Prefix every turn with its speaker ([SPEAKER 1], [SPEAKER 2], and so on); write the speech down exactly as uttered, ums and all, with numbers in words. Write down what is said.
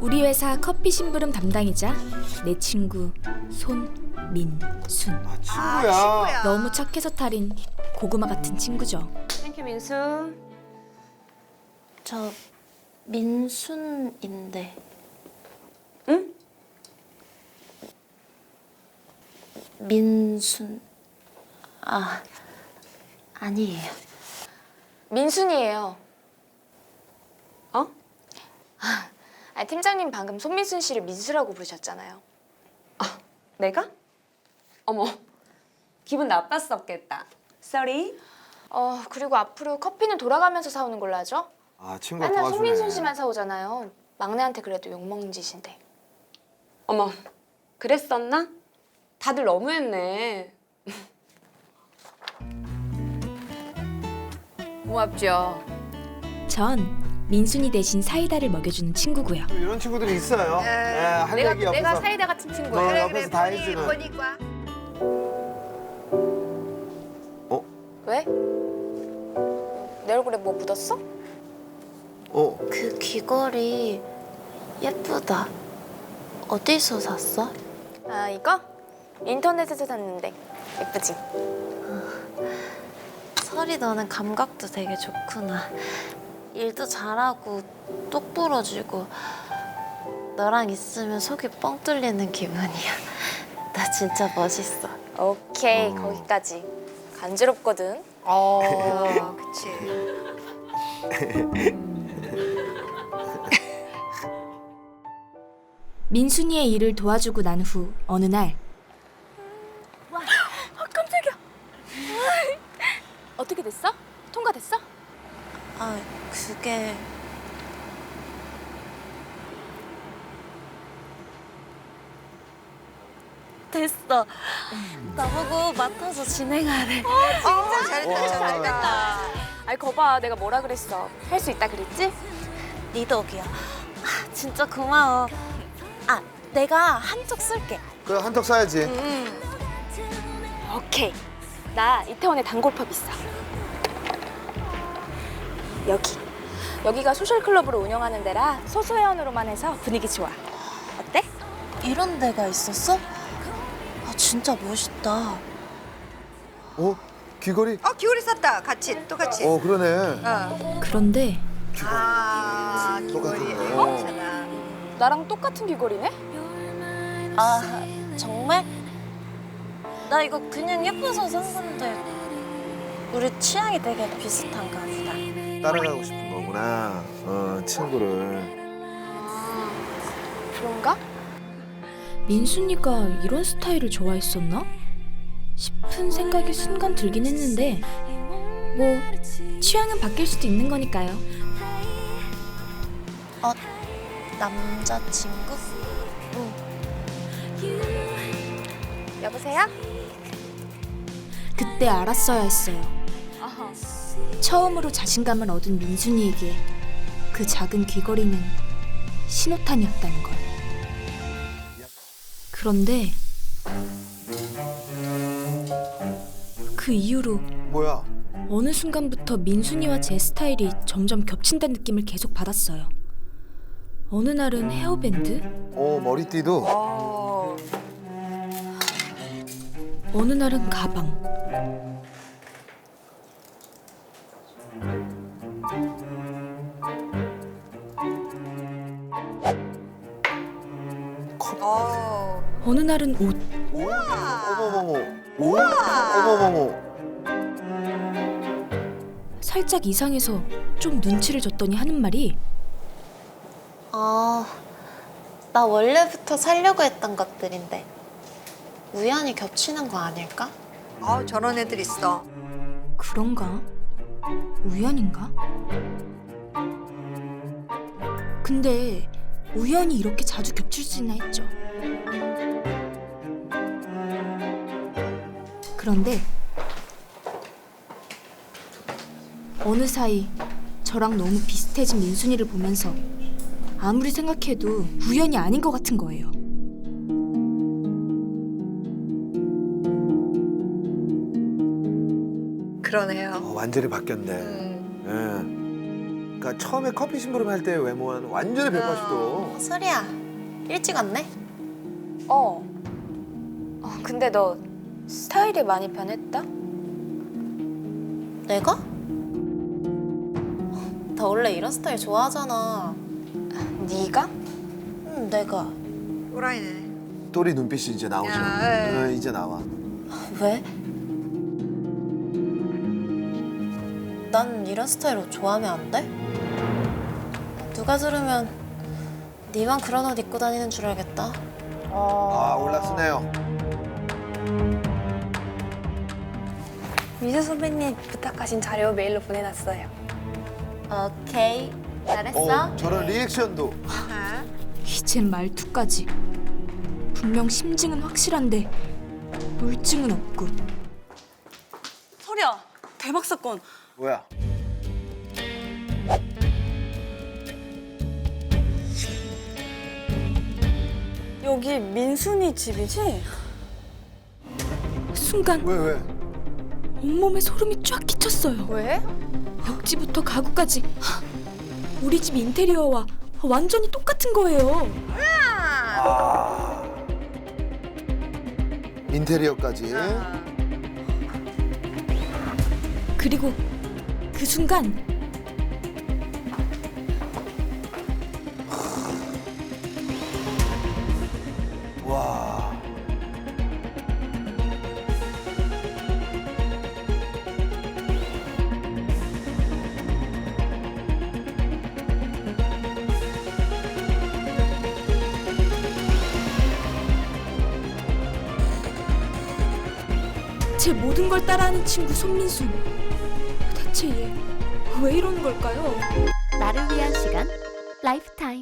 [SPEAKER 1] 우리 회사 커피 심부름 담당이자 내 친구 손민순.
[SPEAKER 2] 아, 친구야.
[SPEAKER 3] 아, 친구야.
[SPEAKER 1] 너무 착해서 탈인 고구마 같은 친구죠.
[SPEAKER 4] 땡큐 민수.
[SPEAKER 5] 저 민순인데.
[SPEAKER 4] 응?
[SPEAKER 5] 민순. 아, 아니에요.
[SPEAKER 4] 민순이에요. 어? 아, 팀장님 방금 손민순 씨를 민수라고 부르셨잖아요.
[SPEAKER 6] 아, 내가? 어머, 기분 나빴었겠다. Sorry.
[SPEAKER 4] 어, 그리고 앞으로 커피는 돌아가면서 사오는 걸로 하죠?
[SPEAKER 2] 아, 친구가
[SPEAKER 4] 맨날
[SPEAKER 2] 도와주네.
[SPEAKER 4] 손민순 씨만 사오잖아요. 막내한테 그래도 욕먹는 짓인데.
[SPEAKER 6] 어머, 그랬었나? 다들 너무했네.
[SPEAKER 4] 고맙죠.
[SPEAKER 1] 전 민순이 대신 사이다를 먹여주는 친구고요.
[SPEAKER 2] 또 이런 친구들이 있어요.
[SPEAKER 3] 예.
[SPEAKER 2] 예, 할
[SPEAKER 4] 내가,
[SPEAKER 2] 얘기 옆에서.
[SPEAKER 4] 내가 사이다 같은 친구야.
[SPEAKER 2] 너
[SPEAKER 3] 그래
[SPEAKER 2] 옆에서
[SPEAKER 3] 그래
[SPEAKER 2] 다
[SPEAKER 3] 보니
[SPEAKER 2] 해주는.
[SPEAKER 3] 보니까.
[SPEAKER 4] 왜? 내 얼굴에 뭐 묻었어?
[SPEAKER 2] 어,
[SPEAKER 5] 그 귀걸이 예쁘다. 어디서 샀어?
[SPEAKER 4] 아, 이거? 인터넷에서 샀는데. 예쁘지?
[SPEAKER 5] 설이 너는 감각도 되게 좋구나. 일도 잘하고 똑부러지고 너랑 있으면 속이 뻥 뚫리는 기분이야. 나 진짜 멋있어.
[SPEAKER 4] 오케이,
[SPEAKER 2] 어.
[SPEAKER 4] 거기까지. 간지럽거든.
[SPEAKER 3] 어, 그치.
[SPEAKER 1] 민순이의 일을 도와주고 난 후 어느 날
[SPEAKER 4] 어떻게 됐어? 통과됐어?
[SPEAKER 5] 아, 그게 됐어. 나보고 맡아서 진행하래.
[SPEAKER 3] 어, 잘했다
[SPEAKER 2] 와.
[SPEAKER 3] 잘했다.
[SPEAKER 4] 아이, 거봐. 내가 뭐라 그랬어. 할 수 있다 그랬지?
[SPEAKER 5] 네 덕이야. 아, 진짜 고마워. 아, 내가 한쪽 쓸게.
[SPEAKER 2] 그래 한턱 쏴야지.
[SPEAKER 4] 오케이. 나 이태원에 단골펍 있어. 여기. 여기가 소셜클럽으로 운영하는 데라 소소회원으로만 해서 분위기 좋아. 어때?
[SPEAKER 5] 이런 데가 있었어? 아, 진짜 멋있다.
[SPEAKER 2] 어, 귀걸이?
[SPEAKER 3] 어 귀걸이 샀다. 같이 똑같이.
[SPEAKER 2] 어, 그러네.
[SPEAKER 3] 어.
[SPEAKER 1] 그런데
[SPEAKER 3] 아 귀걸이.
[SPEAKER 2] 똑같은 거.
[SPEAKER 3] 어? 괜찮아.
[SPEAKER 4] 나랑 똑같은 귀걸이네?
[SPEAKER 5] 아, 정말? 나 이거 그냥 예뻐서 산 건데 우리 취향이 되게 비슷한가 보다.
[SPEAKER 2] 따라가고 싶은 거구나. 어, 친구를.
[SPEAKER 4] 그런가?
[SPEAKER 1] 민순이가 이런 스타일을 좋아했었나? 싶은 생각이 순간 들긴 했는데 뭐 취향은 바뀔 수도 있는 거니까요.
[SPEAKER 5] 어, 남자친구?
[SPEAKER 4] 여보세요?
[SPEAKER 1] 그때 알았어야 했어요. 처음으로 자신감을 얻은 민순이에게 그 작은 귀걸이는 신호탄이었다는 걸. 그런데 그 이후로
[SPEAKER 2] 뭐야?
[SPEAKER 1] 어느 순간부터 민순이와 제 스타일이 점점 겹친다는 느낌을 계속 받았어요. 어느 날은 헤어밴드,
[SPEAKER 2] 어, 머리띠도.
[SPEAKER 3] 어.
[SPEAKER 1] 어느 날은 가방.
[SPEAKER 3] 어.
[SPEAKER 1] 어느 날은 옷.
[SPEAKER 2] 어머머머. 오? 어머머머.
[SPEAKER 1] 살짝 이상해서 좀 눈치를 줬더니 하는 말이
[SPEAKER 5] 아, 나 원래부터 살려고 했던 것들인데 우연히 겹치는 거 아닐까?
[SPEAKER 3] 어 저런 애들 있어.
[SPEAKER 1] 그런가? 우연인가? 근데 우연히 이렇게 자주 겹칠 수 있나 했죠. 그런데 어느 사이 저랑 너무 비슷해진 민순이를 보면서 아무리 생각해도 우연이 아닌 것 같은 거예요.
[SPEAKER 3] 그러네요.
[SPEAKER 2] 어, 완전히 바뀌었네.
[SPEAKER 3] 음.
[SPEAKER 2] 예. 그러니까 처음에 커피 심부름 할 때 외모와는 완전히 백팔십 도.
[SPEAKER 5] 소리야, 일찍 왔네?
[SPEAKER 4] 어. 어, 근데 너 스타일이 많이 변했다?
[SPEAKER 5] 내가? 나 원래 이런 스타일 좋아하잖아.
[SPEAKER 4] 네가?
[SPEAKER 5] 응, 내가.
[SPEAKER 3] 또라이네.
[SPEAKER 2] 또리 눈빛이 이제 나오죠.
[SPEAKER 3] 야, 에.
[SPEAKER 2] 어, 이제 나와.
[SPEAKER 5] 왜? 난 이런 스타일 옷 좋아하면 안 돼? 누가 들으면 니만 그런 옷 입고 다니는 줄 알겠다.
[SPEAKER 2] 아 올라서네요.
[SPEAKER 4] 미주 선배님 부탁하신 자료 메일로 보내놨어요.
[SPEAKER 5] 오케이, 잘했어.
[SPEAKER 2] 어, 저런 리액션도.
[SPEAKER 3] 아하.
[SPEAKER 1] 이젠 말투까지. 분명 심증은 확실한데 물증은 없고.
[SPEAKER 7] 설이야, 대박 사건.
[SPEAKER 2] 뭐야?
[SPEAKER 7] 여기 민순이 집이지?
[SPEAKER 1] 순간
[SPEAKER 2] 왜 왜?
[SPEAKER 1] 온몸에 소름이 쫙 끼쳤어요.
[SPEAKER 4] 왜?
[SPEAKER 1] 벽지부터 가구까지 우리 집 인테리어와 완전히 똑같은 거예요.
[SPEAKER 2] 인테리어까지.
[SPEAKER 1] 그리고 그 순간
[SPEAKER 2] 와.
[SPEAKER 1] 제 모든 걸 따라하는 친구 손민수. 대체 얘 왜 이러는 걸까요?
[SPEAKER 8] 나를 위한 시간 라이프타임